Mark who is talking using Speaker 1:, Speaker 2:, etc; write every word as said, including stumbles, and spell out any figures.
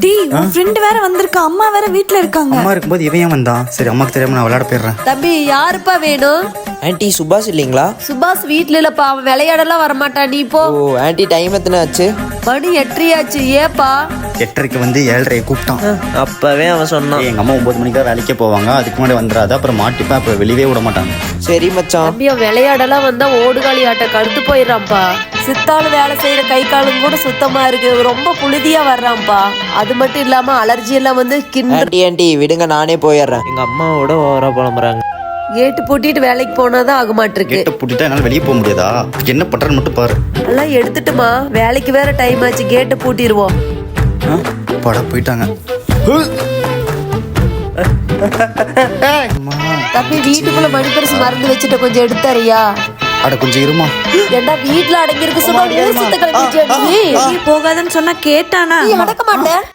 Speaker 1: டேய் உன் ஃப்ரெண்ட் வேற வந்திருக்கா, அம்மா வேற வீட்ல இருக்காங்க.
Speaker 2: அம்மா இருக்கும்போது இவன் ஏன் வந்தான்? சரி அம்மாக்கு தெரியாம நான் விளையாட போயிடுறேன்.
Speaker 3: தம்பி யாருப்பா வேணும்?
Speaker 4: ஆன்ட்டி சுபாஷ் இல்லைங்களா?
Speaker 3: சுபாஷ் வீட்ல இல்லப்பா, அவன் விளையாடலாம் வரமாட்டான். நீ போ.
Speaker 4: ஓ ஆன்ட்டி டைம் எத்தனை ஆச்சு?
Speaker 3: மணி எட்டரையாச்சு. ஏப்பா?
Speaker 2: எட்டரைக்கு வந்து ஏழரை கூப்பிட்டான்.
Speaker 4: அப்பவே அவன் சொன்னான்.
Speaker 2: எங்க அம்மா ஒன்பது மணிக்கு தான் வேலைக்கே போவாங்க, அதுக்கு முன்னாடி வந்துடாது, அப்புறம் மாட்டிப்பேன், அப்புறம் வெளியவே விட மாட்டாங்க.
Speaker 4: சரி மச்சான்.
Speaker 3: தம்பி அவன் விளையாடலாம் வந்தா ஓடுகாலி ஆட்ட கடுத்து போயிடறான்ப்பா. சித்தாள் வேலை செய்யற கை காலும் கூட சுத்தமா இருக்கு, ரொம்ப புழுதியா வர்றான்ப்பா. அது மட்டும் இல்லாம அலர்ஜி எல்லாம் வந்து கிண்டு.
Speaker 4: ஆன்ட்டி ஆன்ட்டி விடுங்க, நானே போயிடுறேன். எங்க அம்மாவோட ஓவரா புலம்புறாங்க.
Speaker 3: கேட்டு பூட்டிட்டு வேலைக்கு போனாதான் ஆக மாட்டிருக்கு.
Speaker 2: கேட்டை பூட்டிட்டா என்னால வெளியே போக முடியாதா? என்ன பண்றேன்னு மட்டும் பாரு.
Speaker 3: எல்லாம் எடுத்துட்டுமா, வேலைக்கு வேற டைம் ஆச்சு, கேட்டு பூட்டிடுவோம்.
Speaker 2: பட போயிட்டாங்க.
Speaker 3: தம்பி வீட்டுக்குள்ள மணிப்பரிசு மறந்து வச்சுட்டு கொஞ்சம் எடுத்தாரியா?
Speaker 2: அட கொஞ்சம் இருமா.
Speaker 3: ஏண்டா வீட்டுல அடங்கி இருக்கு சொன்னா ஊர் சுத்த கிளம்பிட்டியா நீ?
Speaker 1: போகாதன்னு சொன்னா கேட்டானா?
Speaker 3: நீ அடக்க மாட்டேன்.